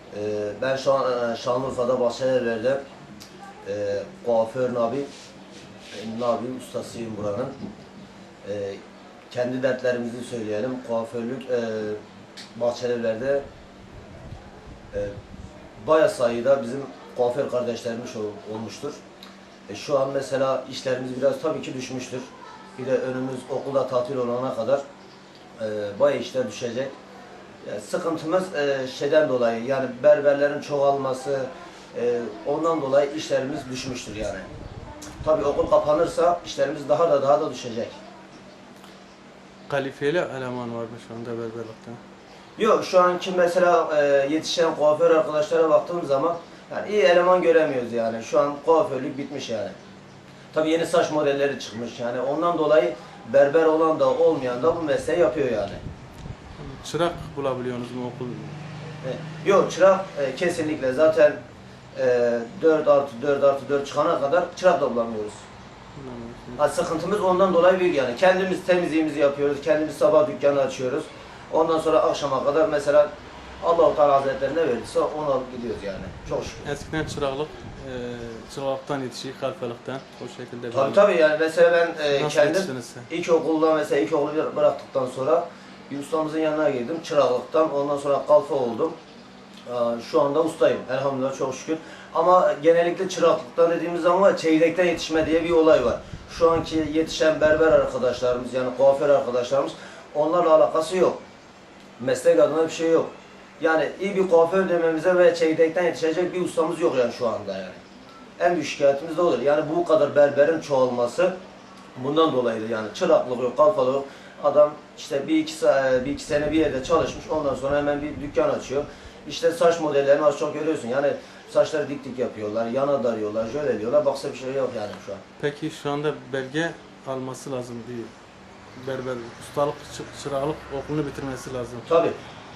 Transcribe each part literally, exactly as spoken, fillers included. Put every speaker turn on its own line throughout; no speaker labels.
Ee, ben şu an e, Şanlıurfa'da Bahçelievler'de e, kuaför Nabi, e, Nabi ustasıyım buranın. E, kendi dertlerimizi söyleyelim. Kuaförlük e, Bahçelievler'de e, bayağı sayıda bizim kuaför kardeşlerimiz ol, olmuştur. E, şu an mesela işlerimiz biraz tabii ki düşmüştür. Bir de önümüz okulda tatil olana kadar e, bayağı işler düşecek. Yani sıkıntımız e, şeyden dolayı, yani berberlerin çoğalması, e, ondan dolayı işlerimiz düşmüştür yani. Tabii okul kapanırsa işlerimiz daha da daha da düşecek.
Kalifiyeli eleman var mı şu anda berberlikte?
Yok, şu anki mesela e, yetişen kuaför arkadaşlara baktığım zaman yani iyi eleman göremiyoruz yani. Şu an kuaförlük bitmiş yani. Tabii yeni saç modelleri çıkmış yani. Ondan dolayı berber olan da olmayan da bu mesleği yapıyor yani.
Çırak bulabiliyorsunuz mu okul?
E, yok, çırak e, kesinlikle zaten e, dört artı dört artı dört çıkana kadar çırak da bulamıyoruz. Ha, sıkıntımız ondan dolayı büyük yani. Kendimiz temizliğimizi yapıyoruz. Kendimiz sabah dükkanı açıyoruz. Ondan sonra akşama kadar mesela Allah-u Teala Hazretleri ne verdiyse onu alıp gidiyoruz yani. Çok şükür.
Eskiden çıraklık, e, çıraklıktan yetişik, kalfalıktan o şekilde.
Tabii tabii yani mesela ben e,
Nasıl
kendim
yetiştiniz sen?
ilkokulda mesela ilkokulu bıraktıktan sonra bir ustamızın yanına girdim. Çıraklıktan ondan sonra kalfa oldum. Aa, Şu anda ustayım. Elhamdülillah, çok şükür. Ama genellikle çıraklıktan dediğimiz zaman çeyrekten yetişme diye bir olay var. Şu anki yetişen berber arkadaşlarımız yani kuaför arkadaşlarımız onlarla alakası yok. Meslek adına bir şey yok. Yani iyi bir kuaför dememize ve çeyrekten yetişecek bir ustamız yok yani şu anda yani. En büyük şikayetimiz de olur. Yani bu kadar berberin çoğalması bundan dolayıdır yani. Çıraklık yok, kalfalık yok. Adam işte bir iki, bir iki sene bir yerde çalışmış, ondan sonra hemen bir dükkan açıyor. İşte saç modellerini az çok görüyorsun. Yani saçları dik dik yapıyorlar, yana darıyorlar, şöyle diyorlar. Baksa bir şey yok yani şu an.
Peki şu anda belge alması lazım bir berber, ustalık, çı- çıraklık okulunu bitirmesi lazım.
Tabii.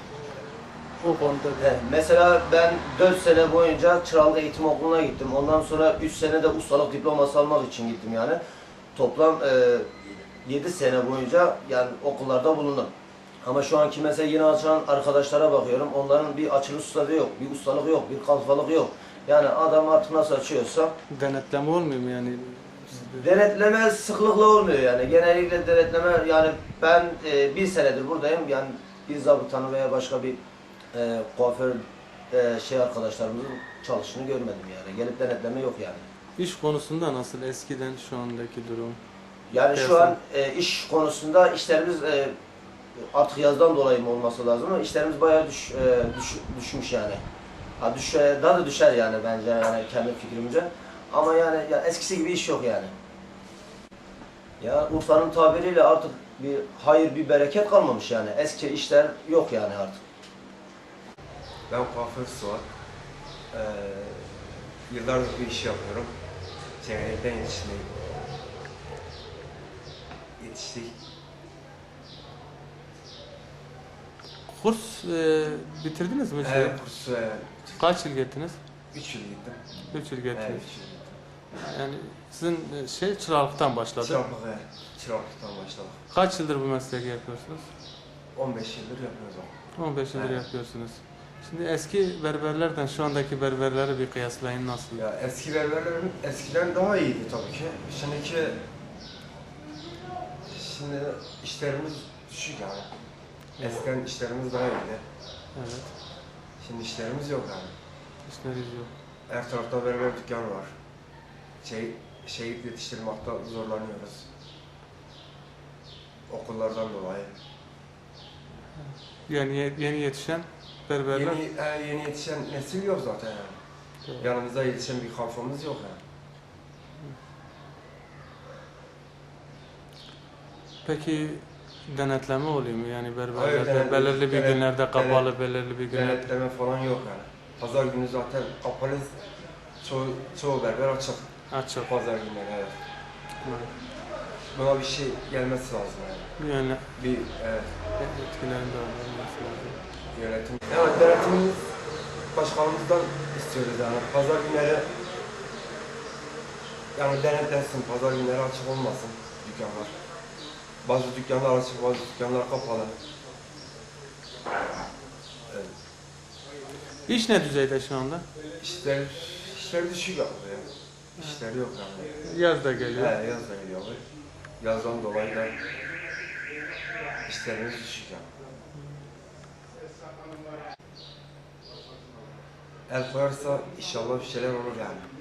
O konuda
He, mesela ben dört sene boyunca çıraklık eğitim okuluna gittim. Ondan sonra üç sene de ustalık diploması almak için gittim yani. Toplam e, yedi sene boyunca yani okullarda bulundum. Ama şu anki mesela yeni açan arkadaşlara bakıyorum. Onların bir açılış ustalığı yok, bir ustalık yok, bir kalfalık yok. Yani adam artık nasıl açıyorsa
denetleme olmuyor mu yani?
denetleme sıklıkla olmuyor yani. Genellikle denetleme yani ben e, bir senedir buradayım. Yani bir zabıtanı veya başka bir e, kuaför e, şey arkadaşlarımızın çalıştığını görmedim yani. Gelip denetleme yok yani.
İş konusunda nasıl eskiden şu andaki durum?
Yani şu
Piyasa-
an e, iş konusunda işlerimiz e, artık yazdan dolayı mı olması lazım ama işlerimiz bayağı düş, e, düş, düşmüş yani. Ha, düş, daha da düşer yani bence yani kendi fikrimce. Ama yani ya eskisi gibi iş yok yani. Ya Urfa'nın tabiriyle artık bir hayır, bir bereket kalmamış yani. Eski işler yok yani artık.
Ben kuaför Suat. Ee, yıllardır bu işi yapıyorum. Çeyrekten yetiştim. Yetiştik.
Kurs e, bitirdiniz mi?
Evet, kursu e,
Kaç yıl gittiniz?
üç yıl gittim.
üç yıl
Evet,
gittiniz.
üç yıl gittim.
Yani sizin e, şey çıraklıktan başladı.
Çıraklık, evet. Çıraklıktan başladık.
Kaç yıldır bu mesleği yapıyorsunuz?
on beş yıldır yapıyoruz onu.
on beş yıldır
Evet.
yapıyorsunuz. Şimdi eski berberlerden şu andaki berberleri bir kıyaslayın nasıl?
Ya eski berberlerin eskiden daha iyiydi tabii ki. Şimdiki şimdi işlerimiz düşük yani.
Evet.
Eskiden işlerimiz daha iyiydi.
Evet.
Şimdi işlerimiz yok yani.
İşleriz yok.
Her tarafta berber dükkanı var. Şey, şehit yetiştirmekte zorlanıyoruz. Okullardan dolayı.
Yani ye- yeni yetişen berberler.
Yeni, e, yeni yetişen nesil yok zaten yani.
Doğru.
Yanımızda yetişen bir kalfamız yok yani.
Peki denetleme oluyor mu? Yani
Hayır,
berberlerde
denet-
belirli bir
denet-
günlerde kapalı,
denet-
belirli bir günlerde.
Denetleme falan yok yani. Pazar günü zaten kapalı. Çoğu, çoğu berber açık.
Açık.
Pazar günleri, evet.
Evet.
Buna bir şey gelmesi lazım yani.
Yani
Bir evet,
etkilerin de olması lazım.
yönetim. Yani denetimimiz başkanımızdan istiyoruz yani. Pazar günleri yani denetlensin, pazar günleri açık olmasın dükkanlar. Bazı dükkanlar açık, bazı dükkanlar kapalı. Evet.
İş ne düzeyde şu anda?
İşler, işler düşük abi ya. İşler yok yani.
Yaz da
He,
geliyor.
yaz da geliyor abi. Yazdan dolayı da işlerimiz düşük yani. El koyarsa inşallah bir şeyler olur yani.